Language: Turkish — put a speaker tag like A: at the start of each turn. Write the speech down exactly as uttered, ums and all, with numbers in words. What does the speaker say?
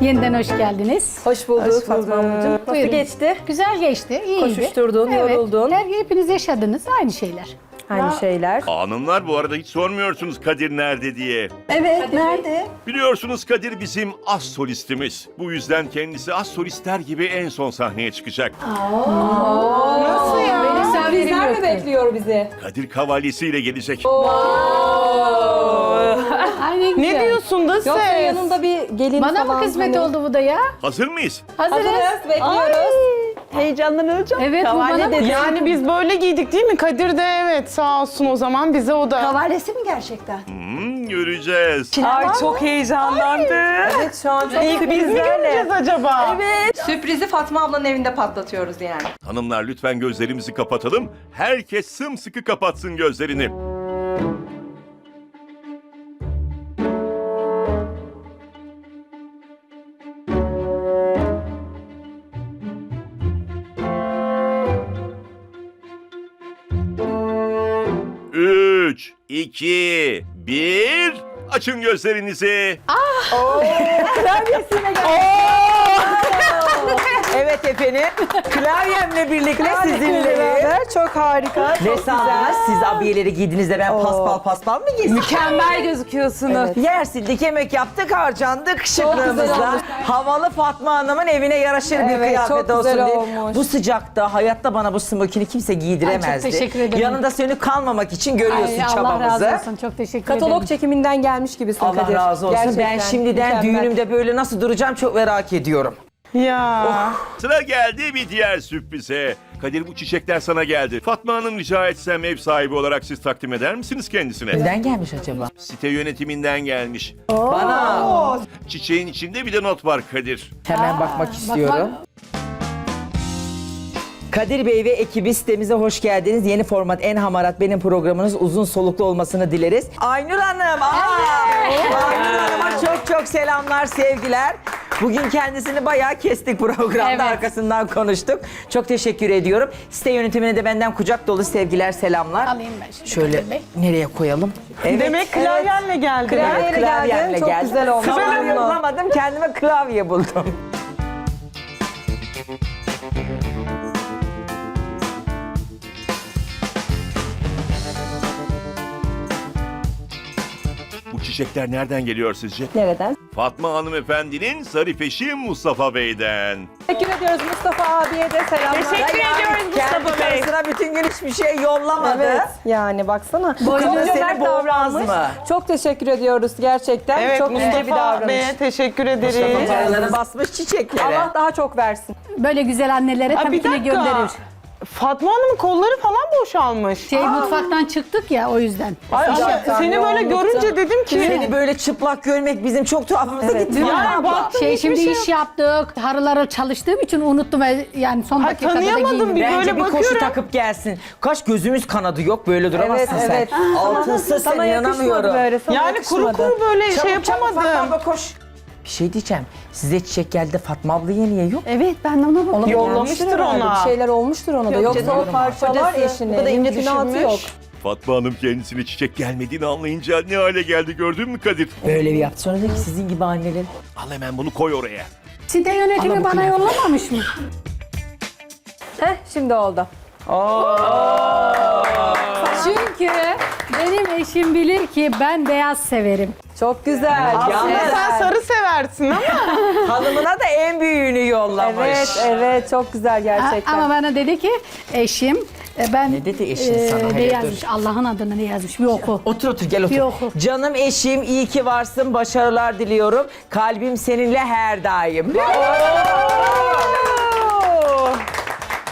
A: Yeniden hoş geldiniz.
B: Hoş bulduk
C: Hoş
B: Fatma
C: bulduk.
B: Hanımcığım. Nasıl
A: Buyurun.
B: geçti?
A: Güzel geçti, iyiydi.
B: Koşuşturdun,
A: evet.
B: yoruldun.
A: Her, hepiniz yaşadınız, aynı şeyler.
B: Aynı şeyler.
D: Hanımlar bu arada hiç sormuyorsunuz Kadir nerede diye.
B: Evet, nerede?
D: Biliyorsunuz Kadir bizim az solistimiz. Bu yüzden kendisi az solistler gibi en son sahneye çıkacak.
C: Nasıl ya?
B: Sürprizler mi bekliyor bizi?
D: Kadir kavalyesiyle gelecek.
A: Ay ne güzel.
C: Ne diyorsun da
B: Yoksa
C: ses?
B: yanında bir gelin
A: Bana
B: falan.
A: mı kısmet
B: hani-
A: oldu bu da ya?
D: Hazır mıyız?
A: Hazırız.
B: Hazırız, bekliyoruz.
C: Heyecanlanacağım.
A: Evet, bu bana mı?
C: Yani biz böyle giydik değil mi? Kadir de evet sağ olsun o zaman bize o da.
E: Kavalyesi mi gerçekten?
D: Hmm, göreceğiz.
C: Ay çok heyecanlandı.
B: Evet, şu an çok
C: İlk biz mi
B: sürprizlerle.
C: göreceğiz acaba?
B: Evet. Sürprizi Fatma ablanın evinde patlatıyoruz yani.
D: Hanımlar lütfen gözlerimizi kapatalım. Herkes sımsıkı kapatsın gözlerini. Üç, iki, bir. Açın gözlerinizi.
F: Evet efendim. Klavyemle birlikte sizinle.
B: beraber çok harika.
F: Ne sandınız? Siz abiyeleri giydiniz ben paspal paspal mı giysin?
C: Mükemmel gözüküyorsunuz.
F: Yer sildik, yemek yaptık, harcandık
B: güzel
F: şıklığımızla.
B: olmuş.
F: Havalı Fatma Hanım'ın evine yaraşır bir
B: Evet,
F: kıyafet
B: çok güzel
F: olsun diye.
B: olmuş.
F: Bu sıcakta hayatta bana bu smokini kimse giydiremezdi.
A: Ay, çok teşekkür ederim.
F: Yanında sönük kalmamak için görüyorsun
A: Ay, Allah
F: çabamızı.
A: razı olsun, çok teşekkür ederim.
B: Katalog çekiminden gelmiş gibisin
F: Allah
B: Kadir.
F: razı olsun. Ben
B: Gerçekten
F: şimdiden
B: mükemmel.
F: düğünümde böyle nasıl duracağım çok merak ediyorum.
C: Ya.
D: Sıra geldi bir diğer sürprize. Kadir bu çiçekler sana geldi. Fatma Hanım rica etsem ev sahibi olarak siz takdim eder misiniz kendisine?
F: Neden gelmiş acaba?
D: Site yönetiminden gelmiş.
F: Bana
D: Çiçeğin içinde bir de not var Kadir.
F: hemen bakmak istiyorum. Kadir Bey ve ekibi sitemize hoş geldiniz. Yeni format En Hamarat benim programınız uzun soluklu olmasını dileriz. Aynur Hanım, aa! Aynur Hanım'a çok çok selamlar, sevgiler. Bugün kendisini bayağı kestik programda,
A: Evet.
F: arkasından konuştuk. Çok teşekkür ediyorum. Site yönetimine de benden kucak dolu sevgiler, selamlar.
A: Alayım ben şimdi
F: Şöyle
A: Kadir Bey.
F: nereye koyalım? Evet.
C: Demek klavyenle geldi.
B: Klavye-
F: Evet, klavyemle
B: geldin, çok
F: geldim.
B: güzel olmuş.
F: Klavye
B: Uyumlu.
F: bulamadım, kendime klavye buldum.
D: Bu çiçekler nereden geliyor sizce?
B: Nereden?
D: Fatma hanımefendinin zarif eşi Mustafa Bey'den.
B: Teşekkür ediyoruz Mustafa abiye de selamlar.
C: Teşekkür
F: Yani
C: ediyoruz
F: kendi
C: Mustafa Bey.
F: karısına bütün gün hiçbir şey yollamadı.
B: Evet, yani baksana.
F: Bu kadın
B: Çok
F: seni
B: cömert
F: boğmaz
B: davranmış.
F: mı?
B: Çok teşekkür ediyoruz gerçekten.
C: Evet
B: çok ince bir
C: Mustafa
B: davranış.
C: Bey'e teşekkür ederiz.
F: Paraları basmış çiçeklere.
B: Allah daha çok versin.
A: Böyle güzel annelere
C: Aa,
A: tabii
C: bir
A: ki de
C: dakika.
A: gönderir.
C: Fatma Hanım'ın kolları falan boşalmış.
A: Şey mutfaktan çıktık ya o yüzden.
C: Ay, ama
B: Sıcaktan,
C: seni böyle
B: yoğunluktan.
C: görünce dedim ki.
F: Seni böyle çıplak görmek bizim çok tuhafımıza
B: Evet.
F: gitti.
C: Yani baktım
A: Şey
C: hiçbir
A: şimdi
C: şey
A: iş
C: yok.
A: yaptık. Harıları çalıştığım için unuttum ve yani son
C: Ay,
A: dakikada da
C: tanıyamadım
A: giyindim.
C: bir
F: Bence
C: böyle
F: bir koşu
C: bakıyorum.
F: takıp gelsin. Kaç gözümüz kanadı yok böyle duramazsın
B: Evet,
F: sen.
B: evet.
F: Altınsız sen
B: Sana yakışmadı
F: inanamıyorum.
B: böyle. Sana
C: Yani kuru
B: yakışmadı.
C: kuru böyle şey
F: Çabuk çabuk Fatma
C: yapamadım.
F: abla koş. Bir şey diyeceğim. Size çiçek geldi de Fatma ablaya niye yok?
A: Evet ben de ona bakıyorum.
B: Ona da
C: Yollamıştır
B: gelmiştir herhalde.
C: ona.
B: Bir şeyler olmuştur ona da.
F: Yok
B: Yoksa
F: canım.
B: o parçalar
C: Kocası
B: eşini.
C: bu da ince
B: İmkanatı
C: düşünmüş.
B: yok.
D: Fatma Hanım kendisine çiçek gelmediğini anlayınca ne hale geldi gördün mü Kadir?
F: Böyle bir yaptı. Sonra dedi ki sizin gibi anneler.
D: Al hemen bunu koy oraya.
A: Site yönetimi
F: Ana bu
A: bana
F: kıyafet.
A: yollamamış mı?
B: Heh, şimdi oldu.
A: Çünkü benim eşim bilir ki ben beyaz severim.
B: Çok güzel.
F: Yalnız
B: Evet.
C: Sen sarı seversin ama.
F: Hanımına da en büyüğünü yollamış.
B: Evet, evet. Çok güzel gerçekten.
A: Ama bana dedi ki eşim e, ben
F: Ne dedi eşin sana?
A: ne
F: Hele dur.
A: yazmış Allah'ın adını ne yazmış bir oku.
F: Otur otur gel otur.
A: Bir oku.
F: Canım eşim iyi ki varsın, başarılar diliyorum. Kalbim seninle her daim.